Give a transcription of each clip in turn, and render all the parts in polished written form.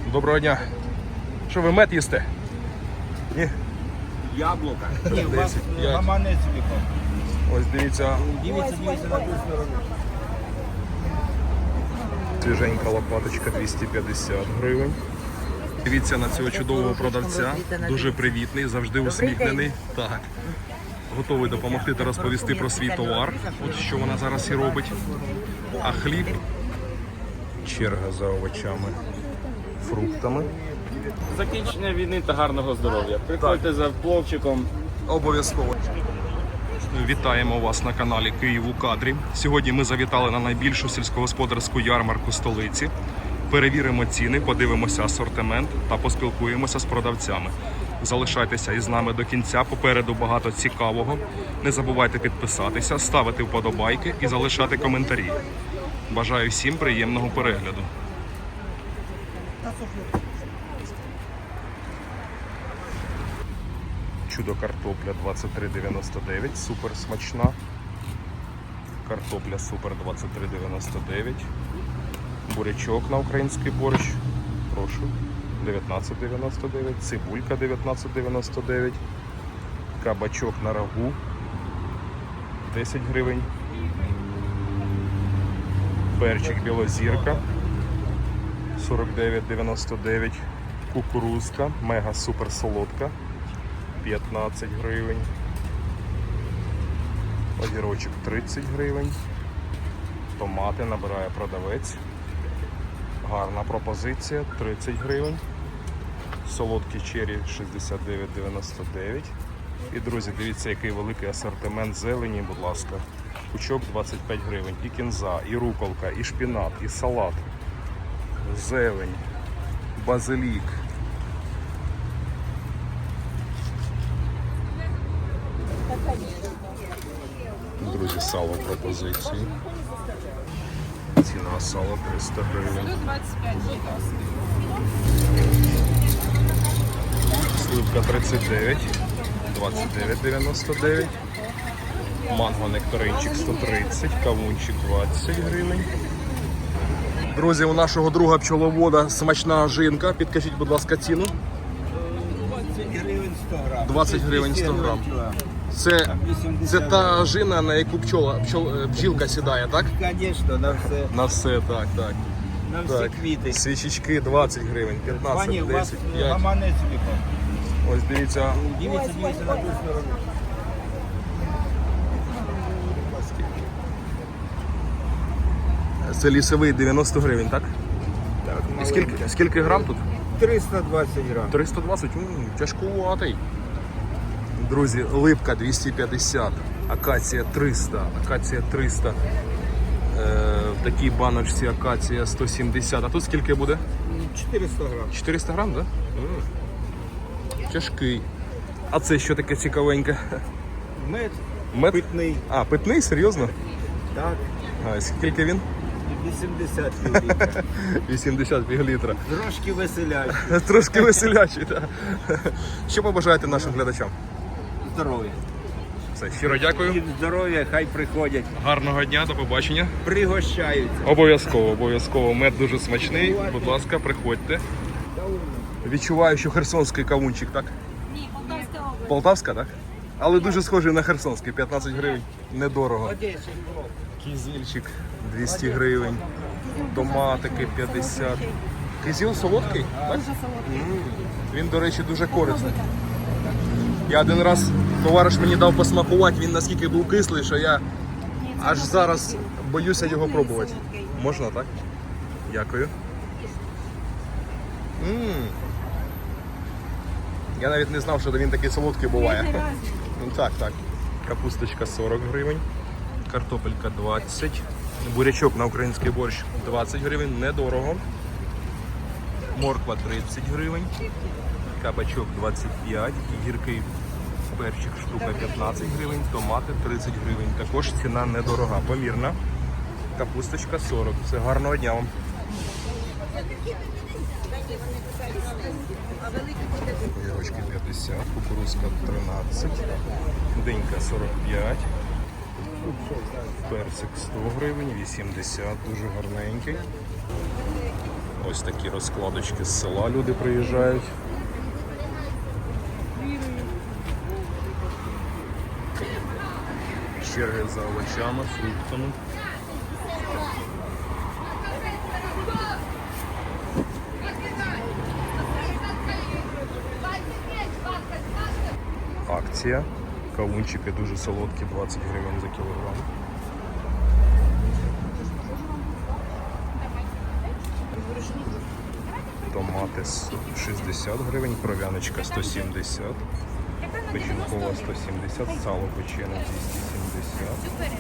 Доброго дня. Що ви мед їсте? Ні? Яблука. Ні, у вас 10, 5. гаманець віком. Ось дивіться, Дивіться на ту сторону. свіженька лопаточка 250 гривень. Дивіться на цього чудового продавця. Дуже привітний, завжди усміхнений. Так. Готовий допомогти та розповісти про свій товар. От що вона зараз і робить. А хліб. Черга за овочами, фруктами. Закінчення війни та гарного здоров'я. Приходьте за пловчиком. Обов'язково. Вітаємо вас на каналі Київ у кадрі. Сьогодні ми завітали на найбільшу сільськогосподарську ярмарку столиці. Перевіримо ціни, подивимося асортимент та поспілкуємося з продавцями. Залишайтеся із нами до кінця, попереду багато цікавого. Не забувайте підписатися, ставити вподобайки і залишати коментарі. Бажаю всім приємного перегляду. Чудо картопля 23,99, супер смачна. Картопля супер 23,99. Бурячок на український борщ, прошу, 19,99. Цибулька 19,99. Кабачок на рагу 10 гривень. Перчик білозірка 49,99. Кукурузка мега супер солодка 15 гривень. Огірочок 30 гривень. Томати набирає продавець. Гарна пропозиція 30 гривень. Солодкі чері 69,99. І, друзі, дивіться, який великий асортимент зелені, будь ласка. Пучок 25 гривень. І кінза, і руколка, і шпінат, і салат. Зелень, базилік. Друзі, сало пропозиції. Ціна сала 300 гривень. Сливка 39, 29,99. Манго нектаринчик 130, кавунчик 20 гривень. Друзі, у нашого друга пчеловода смачна жинка. Підкажіть, будь ласка, ціну. 20 гривень 100 грам. 20 гривень 100 грам. Це та жина, на яку бджілка сідає, так? Звісно, на все. На все, так, так. На всі Так, квіти. свічечки 20 гривень, 15, Пані, у вас 10, 5. гаманець віком. Ось дивіться, Дивіться на ту сторону. це лісовий 90 гривень, так? Так, І скільки грам тут? 320 грам. 320, тяжкуватий. Друзі, липка 250, акація 300, акація 300. В такій баночці акація 170. А тут скільки буде? 400 грам. 400 грам, так? Тяжкий. А це що таке цікавеньке? Мед Мед? питний. А, питний? Серйозно? Так, А скільки він? 80 літрів. 80 півлітра. Трошки веселять. Трошки веселячий, так. Що побажаєте нашим глядачам? Здоров'я. Все, щиро дякую. Їм здоров'я, хай приходять. Гарного дня, до побачення. Пригощаються. Обов'язково, обов'язково. Мед дуже смачний. Будь ласка, приходьте. Відчуваю, що херсонський кавунчик, так? Ні, Полтавська область. Полтавська, так? Але дуже схожий на херсонський. 15 гривень. Недорого. Кізільчик 200 гривень. Томатики 50. Кизіл солодкий? Так? Дуже солодкий. Він, до речі, дуже корисний. Я один раз, товариш мені дав посмакувати, він наскільки був кислий, що я аж зараз боюся його пробувати. Можна, так? Дякую. Я навіть не знав, що він такий солодкий буває. Ну, так, так. Капусточка 40 гривень, картопелька 20, бурячок на український борщ 20 гривень, недорого. Морква 30 гривень, кабачок 25, гіркий перчик штука 15 гривень, томати 30 гривень. Також ціна недорога, помірна. Капусточка 40. Все, гарного дня вам. Огірочки 50, кукурузка 13, динька 45, персик 100 гривень, 80, дуже гарненький. Ось такі розкладочки з села люди приїжджають. Черги за овочами, фруктами. Акція. Кавунчики дуже солодкі, 20 гривень за кілограм. Томати 60 гривень, кров'яночка 170, печінкова 170, сало печене 270.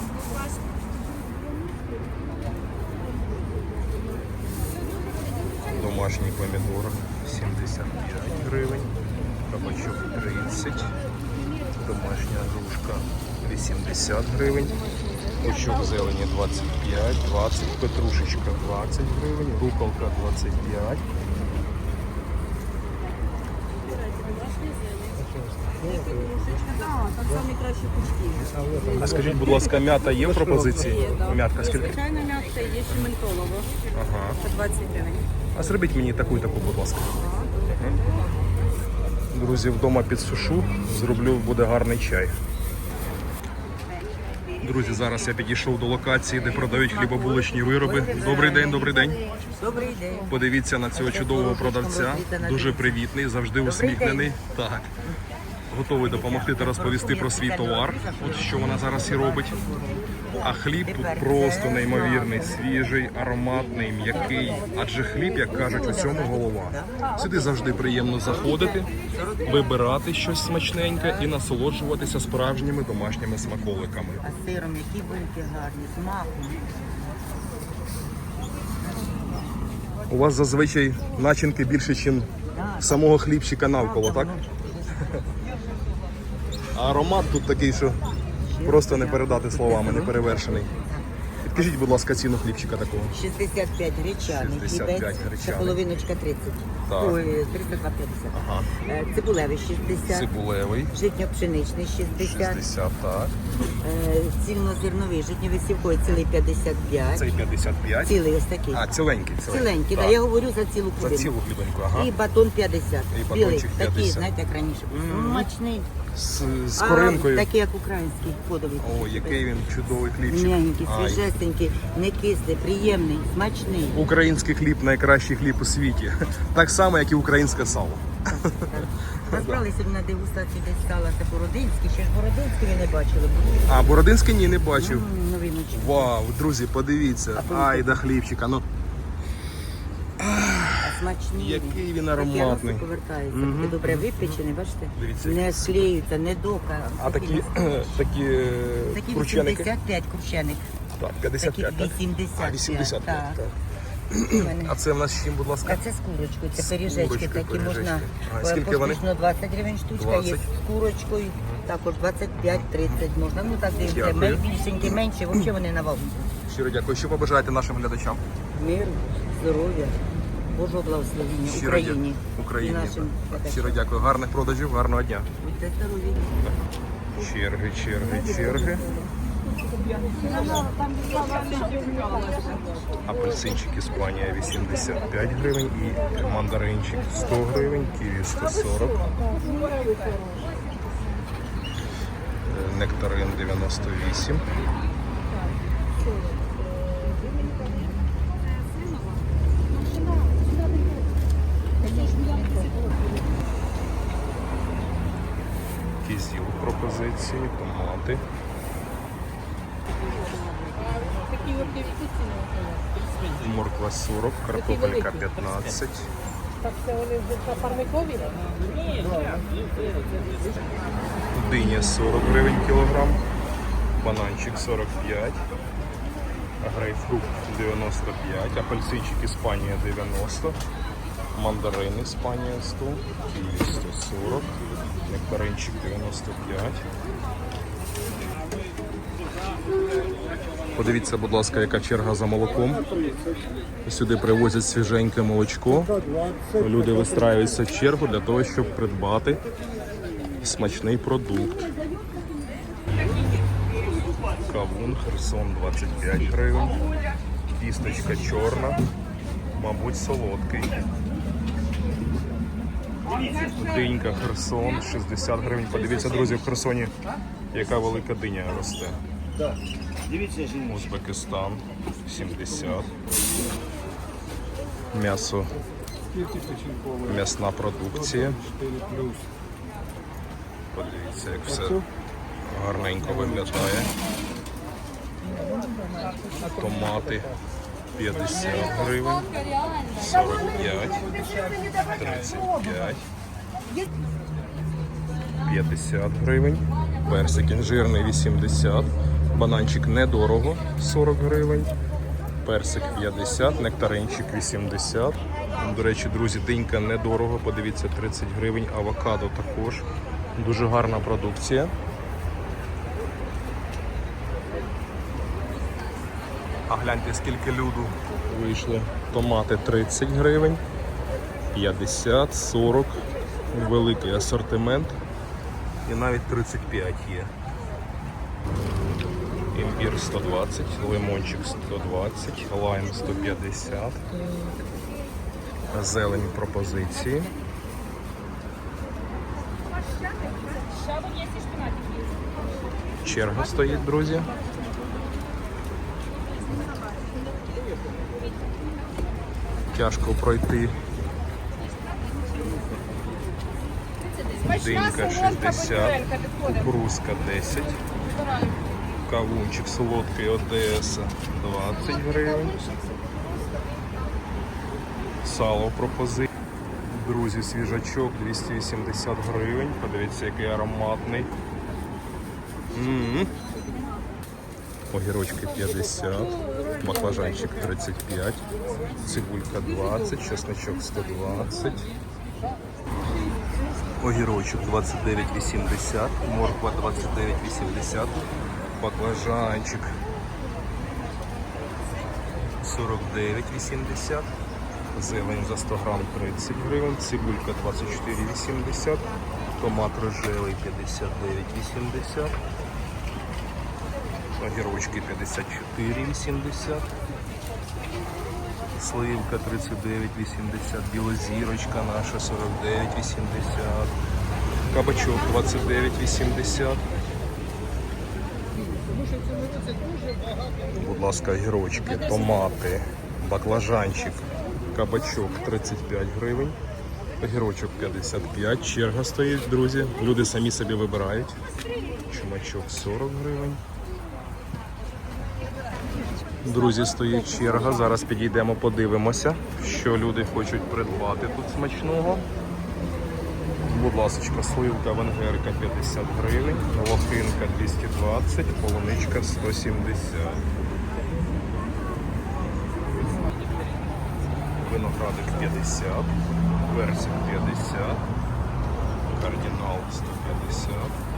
Домашній помідор 75 гривень, кабачок 30, домашня грушка 80 гривень, пучок зелені 25, 20, петрушечка 20 гривень, руколка 25. Там самі кращі пучки. А скажіть, будь ласка, м'ята є в пропозиції? М'ятка скільки? Звичайно, м'ятка є ще ментолово. Ага. По 20 гривень. А зробіть мені таку, будь ласка. Друзі, вдома підсушу, зроблю, буде гарний чай. Друзі, зараз я підійшов до локації, де продають хлібобулочні вироби. Добрий день, добрий день. Добрий день. Подивіться на цього чудового продавця. Дуже привітний, завжди усміхнений. Так. Готовий допомогти та розповісти про свій товар, от що вона зараз і робить. А хліб тут просто неймовірний, свіжий, ароматний, м'який. Адже хліб, як кажуть, усьому голова. Сюди завжди приємно заходити, вибирати щось смачненьке і насолоджуватися справжніми домашніми смаколиками. А сиром, які вильки гарні, з маком. У вас зазвичай начинки більше, ніж самого хлібчика навколо, так? А аромат тут такий, що просто не передати словами, не перевершений. Підкажіть, будь ласка, ціну хлібчика такого. 65 гречаний, 65 хлібець, гречаний. це половиночка 30. Так. Ой, 32,50. Ага. Цибулевий 60, Цибулевий, житньо-пшеничний 60, 60, так. цільнозерновий, житньо-висівковий цілий 55. Цей 55. Цілий ось такий. А, ціленький. Ціленький, так. да, я говорю за цілу За хлібину. цілу хлібинку, ага. І батон 50. І Білий, батончик такий, 50. знаєте, як раніше був. Смачний. З коринкою. Такий, як український, подовий. О, який він чудовий хлібчик. М'ягенький, Ай. свіжесенький, не кислий, приємний, смачний. Український хліб найкращий хліб у світі. Так само, як і українське сало. Розбрали сьогодні на дегустацію десь сала та Бородинський. Ще ж Бородинський ви не бачили. А Бородинський ні, не бачив. Новиночки. Вау, друзі, подивіться. Ай, да хлібчика. Ну, А смачні. який він Такі ароматний. рости повертаються. Такі добре випечені, бачите? Дивіться, Не які склеюються, не дока. А такі Такі крученики? 85 крученик. Так, Такі 55, так? 85. А, 85, так. так. У мене. А це в нас з чим, будь ласка? А це з курочкою, це пиріжечки курочкою, такі можна. пиріжечки. А скільки вони? Поштучно 20 гривень штучка, є 20. з курочкою, також 25-30 можна. Ну так дивіться, Дякую. більшенькі, менші, взагалі вони на вагу. Щиро дякую. Що побажаєте нашим глядачам? Мир, здоров'я, Божого благословення Щиро Україні. Україні. І нашим так. глядачам. Щиро дякую. Гарних продажів, гарного дня. Будьте здорові. Черги, черги, черги. Апельсинчик Іспанія 85 гривень і мандаринчик 100 гривень, ківі 140. Нектарин 98. Кізіл в пропозиції, томати. Морква 40, картопелька 15. Диня 40 гривень кілограм, бананчик 45, грейпфрут 95, апельсинчик Іспанія 90, мандарин Іспанія 100, ківі 140, нектаринчик 95. Подивіться, будь ласка, яка черга за молоком. Сюди привозять свіженьке молочко. Люди вистраюються в чергу для того, щоб придбати смачний продукт. Кавун, Херсон 25 гривень, кісточка чорна Мабуть, солодкий. Динька Херсон, 60 гривень. Подивіться, друзі, в Херсоні яка велика диня росте. Дивіться, жіночка. Узбекистан, 70. М'ясо. М'ясна продукція. Подивіться, як все гарненько виглядає. Томати 50 гривень, 45, 35, 50 гривень, персик інжирний 80, бананчик недорого 40 гривень, персик 50, нектаринчик 80. До речі, друзі, динька недорого, подивіться, 30 гривень, авокадо також. Дуже гарна продукція. А гляньте, скільки люду вийшли. Томати 30 гривень, 50, 40, великий асортимент і навіть 35 є. Імбір 120, лимончик 120, лайм 150, зелень пропозиції. Черга стоїть, друзі. Тяжко пройти. Динька 60, кукурузка 10, кавунчик солодкий ОТС 20 гривень, сало в пропозиції. Друзі, свіжачок 280 гривень, подивіться, який ароматний. Огірочки 50, баклажанчик 35, цибулька 20, чесночок 120, огірочок 29,80, морква 29,80, баклажанчик 49,80, зелень за 100 грам 30 гривень, цибулька 24,80, томат рожевий 59,80, огірочки 54,80, сливка 39,80, білозірочка наша 49,80, кабачок 29,80. Будь ласка, огірочки, томати, баклажанчик, кабачок 35 гривень, огірочок 55, черга стоїть, друзі. Люди самі собі вибирають. Чумачок 40 гривень. Друзі, стоїть черга. Зараз підійдемо, подивимося, що люди хочуть придбати тут смачного. Будь ласка, сливка венгерка 50 гривень, лохинка 220, полуничка 170. Виноградик 50, персик 50, кардинал 150,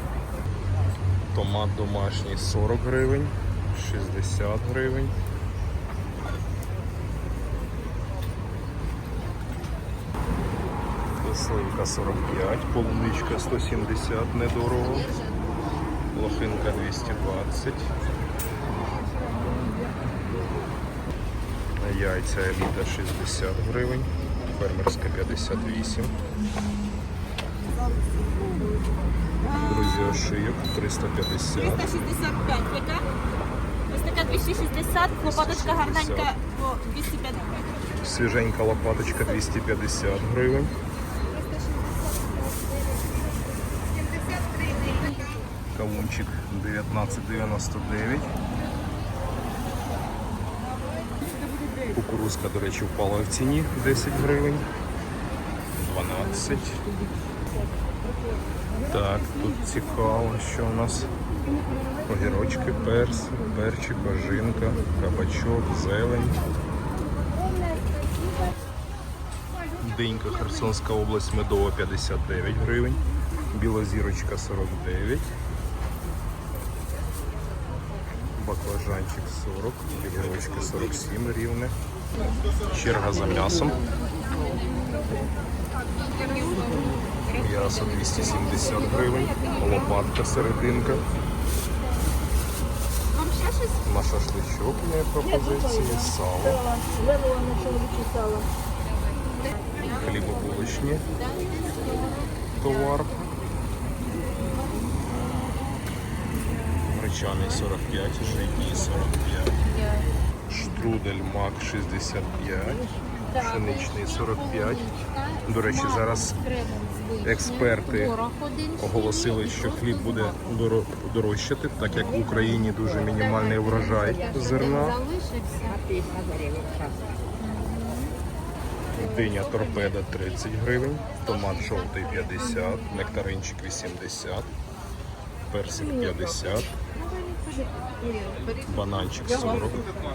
томат домашній 40 гривень, 60 гривень. Сливка 45, полуничка 170, недорого, лохинка 220, яйця еліта 60 гривень, фермерська 58. Друзі, ошийок 350. 365 яка? Ось така 260, лопаточка гарненька по 250 гривень. Свіженька лопаточка 250 гривень. Кавунчик 19,99. Кукурузка, до речі, впала в ціні 10 гривень. 12. Так, тут цікаво, що у нас огірочки, перчик, бажинка, кабачок, зелень. Динька, Херсонська область, медова 59 гривень. Білозірочка 49. Баклажанчик 40, огірочки 47 рівне. Черга за м'ясом. М'ясо 270 гривень, лопатка серединка. Вам ще На шашличок є пропозиції, сало. Хлібобулочні товар. Гречаний 45, житній 45. Штрудель мак 65, пшеничний 45. До речі, зараз експерти оголосили, що хліб буде дорожчати, так як в Україні дуже мінімальний врожай зерна. Диня торпеда 30 гривень, томат жовтий 50, нектаринчик 80, персик 50, бананчик 40,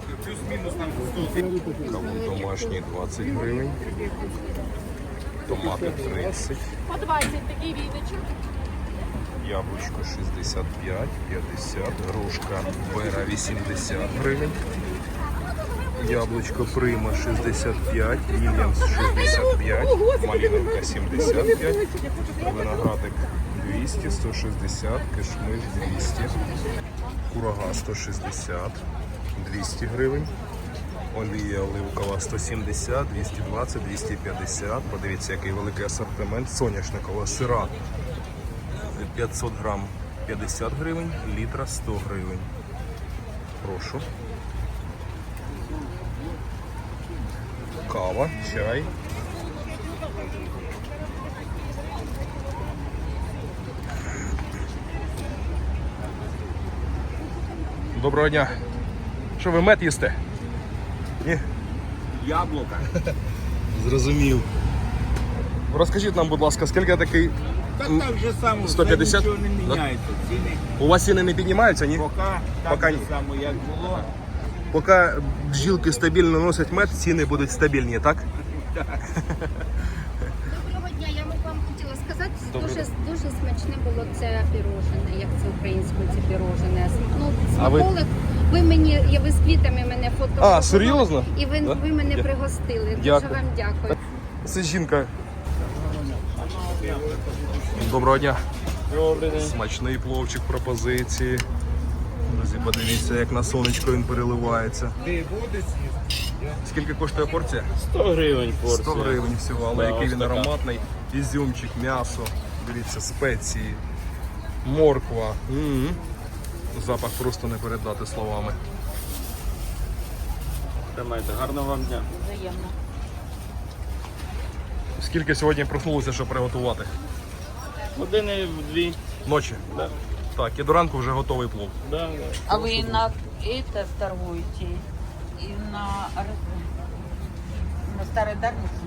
кавун домашній 20 гривень, томати 30, По 20 такий віночок. яблучко 65, 50, грушка бера 80 гривень, яблучко прима 65, вільямс 65, малиновка 75, виноградик 200, 160, кишмиш 200, курага 160, 200 гривень, олія оливкова 170, 220, 250. Подивіться, який великий асортимент. Соняшникова сира 500 грам 50 гривень, літра 100 гривень. Прошу. Кава, чай. Доброго дня. Що ви мед їсте? Ні? Яблука. Зрозумів. Розкажіть нам, будь ласка, скільки такий... Так так же само, 150? нічого не міняється. Ціни У вас ціни не піднімаються, ні? поки так Поки же ні. само, як було. Поки бджілки стабільно носять мед, ціни будуть стабільні, так? Доброго дня, я вам хотіла сказати, Доброго дуже смачне було це пірожене, як це українською це пірожене. Ну, А ви- смаколик, ви з квітами мене фотографували. А, серйозно? І ви, Да? ви мене пригостили. Дякую. Дуже вам дякую. Це жінка. Доброго дня. Добрий день. Смачний пловчик пропозиції. Друзі, подивіться, як на сонечко він переливається. Скільки коштує порція? 100 гривень порція. 100 гривень всього, але Да, який ось він така. ароматний. Ізюмчик, м'ясо, дивіться, спеції, морква. Запах просто не передати словами. Тримайте, гарного вам дня. Взаємно. Скільки сьогодні проснулося, щоб приготувати? Години в 2. Ночі? Да. Так, і до ранку вже готовий плов. Да. А вы на это торгуете? И на Старой Дарнице?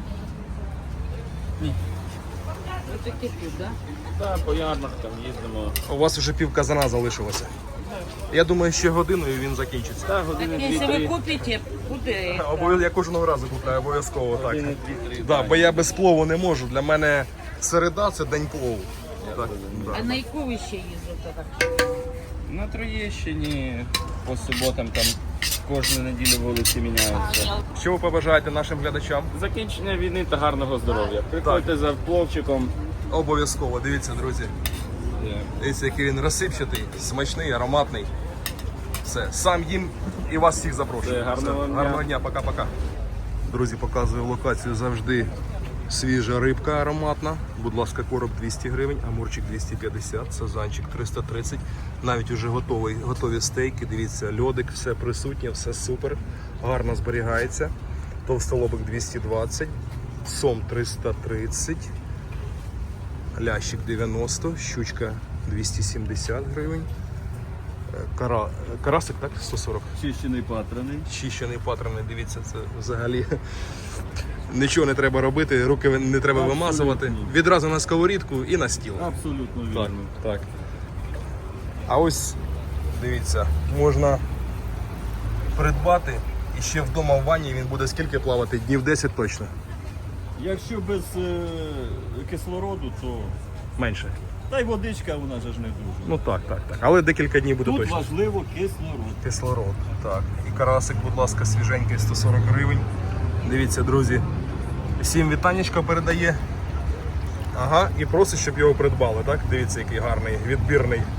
Вот таки тут, да? Да, по ярмаркам їздимо. У вас вже пів казана залишилося. Я думаю, ще годиною він закінчиться. Да, години Если вы 2-3. купите, куда Я кожного разу купляю, обов'язково так. Години 2-3. Да, бо я без плову не можу. Для мене середа це день плову. Так, А да. на яку ви ще їздите? Так? На Троєщині по суботам там кожну неділю вулиці міняються. Що ви побажаєте нашим глядачам? Закінчення війни та гарного здоров'я. Приходьте за пловчиком. Обов'язково, дивіться, друзі. Дивіться, який він розсипчатий, смачний, ароматний. Все, сам їм і вас всіх запрошую. Все, гарного Все, дня. гарного дня, пока-пока. Друзі, показую локацію завжди. Свіжа рибка ароматна. Будь ласка, короб 200 гривень, амурчик 250, сазанчик 330. Навіть уже готові стейки. Дивіться, льодик, все присутнє, все супер. Гарно зберігається. Товстолобик 220, сом 330, лящик 90, щучка 270 гривень. Карасик, так? 140. Чищений патрони. Чищений патрони, дивіться, це взагалі нічого не треба робити, руки не треба вимазувати. Відразу на сковорідку і на стіл. Абсолютно Так, вірно. так. А ось, дивіться, можна придбати і ще вдома в ванні він буде скільки плавати? Днів 10 точно. Якщо без кислороду, то Менше. та й водичка вона же ж не дуже. Ну так. Але декілька днів буде Тут точно. важливо кислород. Кислород. Так. І карасик, будь ласка, свіженький, 140 гривень. Дивіться, друзі. Всім вітанечко передає. Ага, і просить, щоб його придбали, так? Дивіться, який гарний, відбірний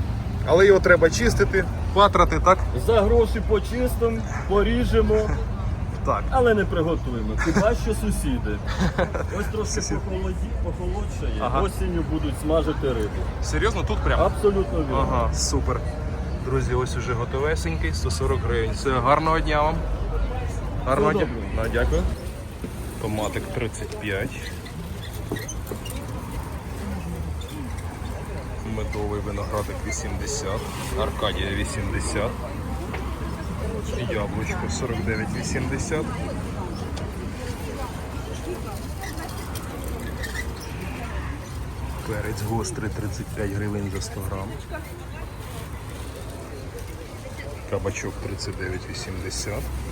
Але його треба чистити, патрати, так? За гроші почистимо, поріжемо, Так. але не приготуємо. Хіба що сусіди. Ось трошки похолодшає, Ага. осінню будуть смажити рибу. Серйозно, тут прямо? Абсолютно вірно. Ага, супер. Друзі, ось уже готовесенький, 140 гривень. Все, гарного дня вам. Гарного дня. добре. Да, дякую. Томатик 35. Медовий виноградик 80. Аркадія 80. Яблучко 49,80. Перець гострий 35 гривень за 100 грам. Кабачок 39,80.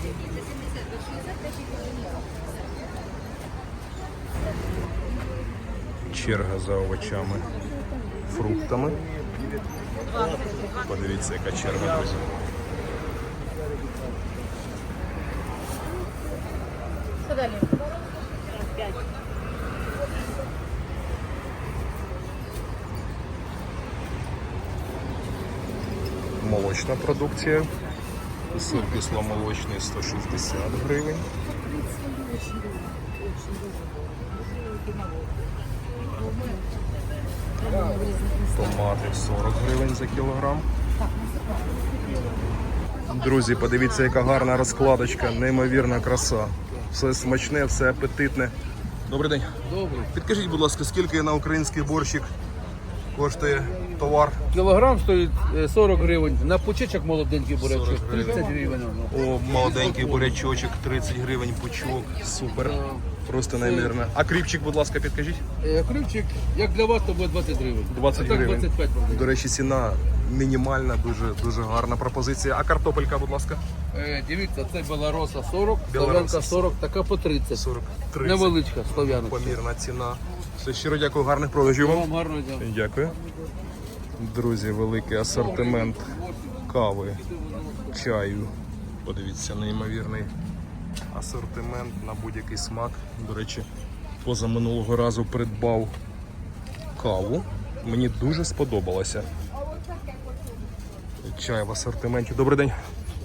Черга за овочами, фруктами. Подивіться, яка черга, друзі. Молочна продукція. Сир кисломолочний 160 гривень. Томати 40 гривень за кілограм. Друзі, подивіться, яка гарна розкладочка, неймовірна краса. Все смачне, все апетитне. Добрий день. Добре. Підкажіть, будь ласка, скільки на український борщик коштує товар? Кілограм стоїть 40 гривень. На почечок молоденький бурячок 40 гривень. 30 гривень. О, молоденький бурячочок, 30 гривень пучок. Супер. Просто неймовірно. А кріпчик, будь ласка, підкажіть. Крючик, як для вас, то буде 20 гривень. 20 а так гривень. 25 гривень. До речі, ціна мінімальна, дуже гарна пропозиція. А картопелька, будь ласка? Дивіться, це білороса 40, Білороса слов'янка 40, така по 30. 40, 30. Невеличка слов'янка. Помірна ціна. Все, щиро дякую, гарних продажів вам. Вам гарного дня. Дякую. Друзі, великий асортимент кави, чаю. Подивіться, неймовірний асортимент на будь-який смак. До речі, позаминулого разу придбав каву. Мені дуже сподобалося. Чай в асортименті. Добрий день.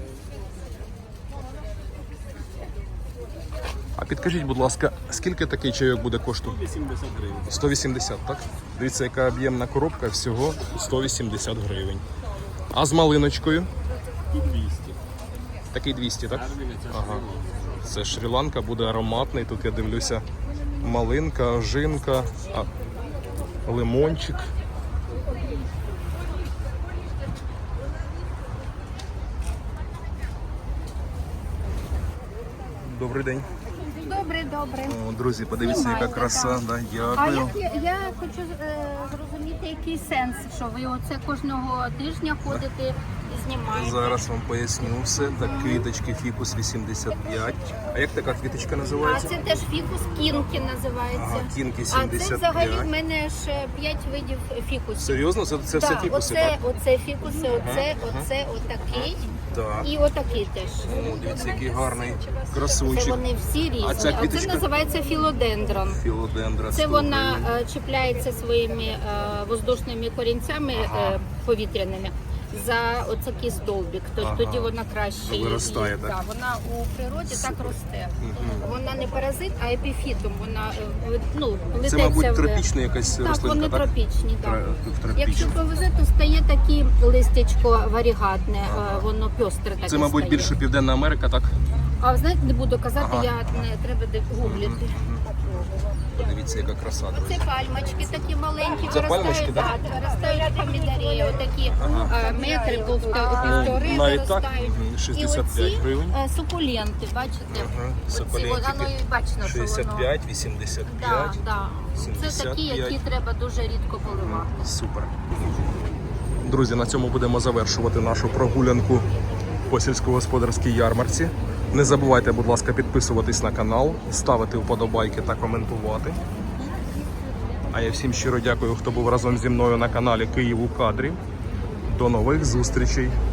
А підкажіть, будь ласка, скільки такий чайок буде коштувати? 80 гривень. 180, так? Дивіться, яка об'ємна коробка, всього 180 гривень. А з малиночкою? І 200. Такий 200, так? Ага. Це Шрі-Ланка, буде ароматний. Тут я дивлюся малинка, ожинка, лимончик. Добре, добре. О, друзі, подивіться, яка краса. Да, А дякую. я хочу зрозуміти, який сенс, що ви оце кожного тижня ходите і знімаєте. Зараз вам поясню все. Так, квіточки фікус 85. А як така квіточка А називається? це теж фікус кінки називається. Ага, кінки А це 75. взагалі в мене ж 5 видів фікусів. Серйозно? Це все Так, фікуси, так? оце фікуси, оце отакий Так. і отакий теж. О, дивіться, який гарний Це красунчик. вони всі різні. А ця квіточка? Це називається філодендрон. Філодендра. Це 100 вона гривень. чіпляється своїми воздушними корінцями повітряними за оцякий стовбик. Тоді вона краще Виростає, так? Да, вона у природі так росте. Вона не паразит, а епіфітом. Вона плететься. Це, мабуть, в- тропічна якась Так, рослинка, вони так? тропічні. Так. Тропічна. Якщо повезе, то стає таке листячко варігатне, воно пьостре таке Це, мабуть, стає. більше Південна Америка, так? А ви знаєте, не буду казати, Ага. я не треба гуглити. Подивіться, яка краса, друзі. Це пальмочки такі маленькі, Це пальмочки, так? виростають помідорі, отакі метри півтори Навіть так? виростають. Мгм, 65 І оці гривень. сукуленти, бачите? Ага, Оці, сукулентики. воно і бачно, що воно. 65, 85. Да. Це такі, 75. які треба дуже рідко поливати. Супер. Друзі, на цьому будемо завершувати нашу прогулянку по сільськогосподарській ярмарці. Не забувайте, будь ласка, підписуватись на канал, ставити вподобайки та коментувати. А я всім щиро дякую, хто був разом зі мною на каналі Київ у кадрі. До нових зустрічей!